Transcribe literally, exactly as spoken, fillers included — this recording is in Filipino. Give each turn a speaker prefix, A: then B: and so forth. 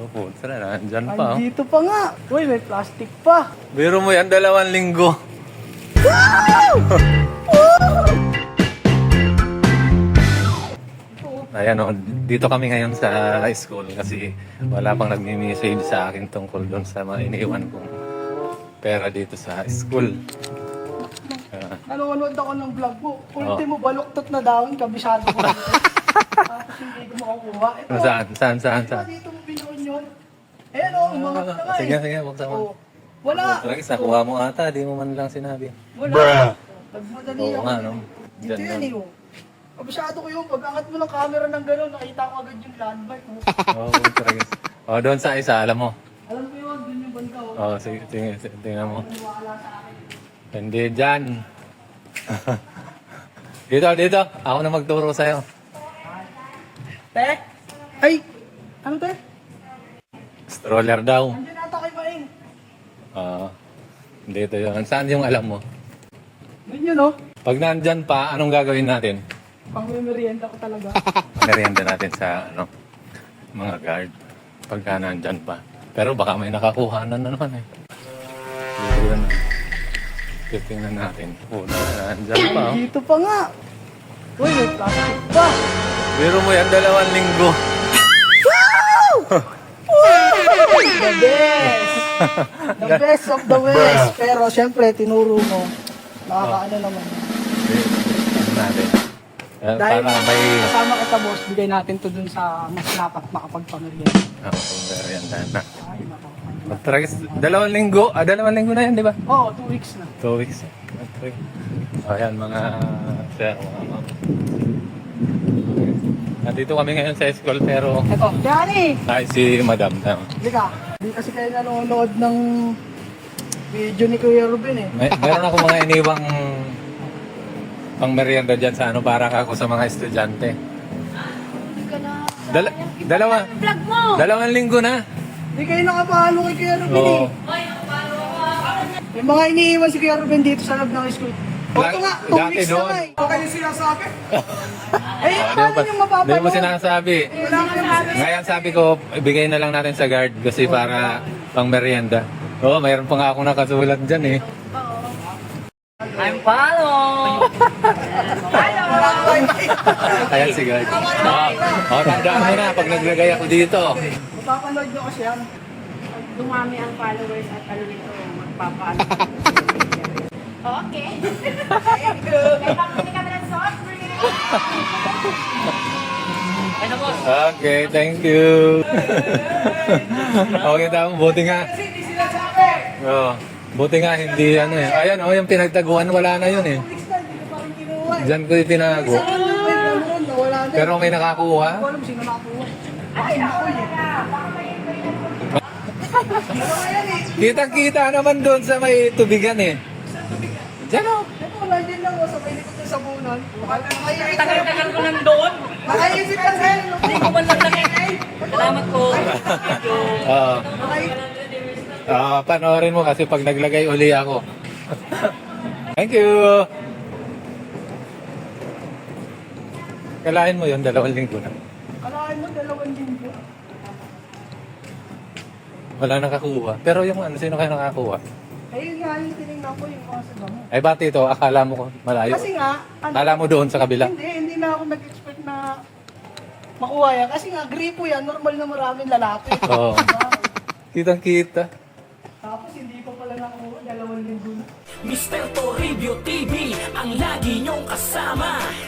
A: Opo, tara na. Andyan pa. Oh.
B: Andito pa nga. Uy, may plastic pa.
A: Biro mo yan, dalawang linggo. Ayan o, dito kami ngayon sa school kasi wala pang nagmi-message sa akin tungkol doon sa mga iniwan kong pera dito sa school. Uh,
B: Nanonood ako ng vlog mo. Ultimo, baluktot na daon, kabisado ko. Tapos hindi ko makukuha. Ito,
A: saan, saan, saan, saan?
B: dito mo binuon yun. Ayan o, umangat na nga eh.
A: Sige, sige, buksan mo.
B: Oh, wala.
A: Lagi, nakuha mo ata, di mo man lang sinabi.
B: Wala. Nagmadali
A: Oo
B: ako.
A: nga, no?
B: Dito
A: Diyan
B: yan eh. oh. Kabisado ko yun. Pag angat mo ng camera ng gano'n, nakita ko agad yung landmark. oh.
A: Oo, talaga. Oh, doon sa isa, alam mo.
B: Alam ko yun, dun yung banda. oh.
A: Oh, sige, tingnan, tingnan mo.
B: Wala sa akin.
A: Hindi dyan. Dito, dito. Ako na magturo sa'yo.
B: Te? Ay! Ano te?
A: Stroller daw.
B: Andiyan ata kay Maing.
A: Oo. Dito yun. Saan yung alam mo?
B: Yun yun oh.
A: Pag nandyan pa, anong gagawin natin?
B: Pang merienda ko talaga.
A: Merienda natin sa ano, mga guard. Pagka nandyan pa. Pero baka may nakakuhanan na naman eh. Dito yun. Titingnan natin. Oh, nandyan pa. Oh.
B: Dito pa nga. Uy, may plastic pa.
A: Biro mo yan, dalawang linggo.
B: The best! The best of the West. Pero syempre, tinuro mo. Nakakaano naman.
A: Ano natin? Eh,
B: Dahil
A: para may...
B: kasama kita boss, bigay natin to dun sa mas dapat makapagpamilya.
A: Oh, kung merienda na.
B: Ay, nako.
A: Tragis, dalawang linggo. Ah, dalawang linggo na yan, di ba?
B: Oo, two weeks na.
A: Two weeks. Okay. O yan, mga sir, mga ma'am. Nandito kami ngayon sa school pero
B: Eto, Danny!
A: ay si madam. Tama.
B: Halika. Hindi kasi kayo nanonood ng video ni Kuya Ruben eh.
A: May, meron ako mga iniwang pang merienda dyan sa ano para ako sa mga estudyante. Dala, dalawa.
C: Vlog mo!
A: Dalawang linggo na.
B: Hindi kayo nakapahalo kay Kuya Ruben
A: Oo.
B: eh. May mga iniiwan si Kuya Ruben dito sa loob ng school. O ito nga, two
A: Dati
B: weeks na
A: doon.
B: nga eh. O kayo sinasabi? Eh,
A: Oh,
B: paano
A: di
B: yung
A: mo,
B: mapapanood?
A: di mo sinasabi.
B: Wala ka naman.
A: Ngayon sabi ko, ibigay na lang natin sa guard kasi para pang merienda. Oo, mayroon pa nga akong nakasulat dyan eh.
C: I'm follow!
A: Ayan si guard. Oo, oh, tandaan mo na pag naglagay ako dito.
B: Mapapanood nyo kasi yan.
C: Dumami ang followers at ano nito, magpapaano. Okay. Kaya kami kami ng soft drink. Ano po?
A: Okay, thank you. Okay, tama. Buti nga.
B: Kasi hindi sinasabi.
A: Oh, buti nga hindi ano eh. Ayan oh, yung pinagtaguan wala na yun eh.
B: Two weeks na, hindi ko pa rin kinuha eh.
A: Diyan ko itinago.
B: Sa ano, may naroon, nawala na.
A: Pero may nakakuha.
B: Hindi ko alam sino nakakuha. Ay, ako eh.
A: Kitang-kita naman doon sa may tubigan eh. Diyan oh.
B: Ito, wala din lang ako sa may likod ng sabunan. Nakaisip
C: Tagal-tagal ko nandoon.
B: Nakaisip ka sir.
C: Hindi ko man lang nakita. Salamat po. Thank you.
A: Oo. Ah, panoorin mo kasi pag naglagay uli ako. Thank you. Kalahin mo yun, dalawang linggo na.
B: Kalahin mo, dalawang linggo.
A: Wala nakakuha. Pero yung ano, sino kayo nakakuha?
B: Ayun nga yung tinignan ko yung mga sa damo.
A: Ay, bati ito, akala mo ko malayo.
B: Kasi nga, ano,
A: Akala mo doon sa kabila.
B: hindi, hindi na ako nag-expect na makuha yan. Kasi nga, gripo yan, normal na maraming lalapit.
A: Oo.
B: Diba?
A: Kitang-kita.
B: Tapos hindi pa pala nakuha, dalawang linggo na.
D: Mister Toribio T V, ang lagi niyong kasama.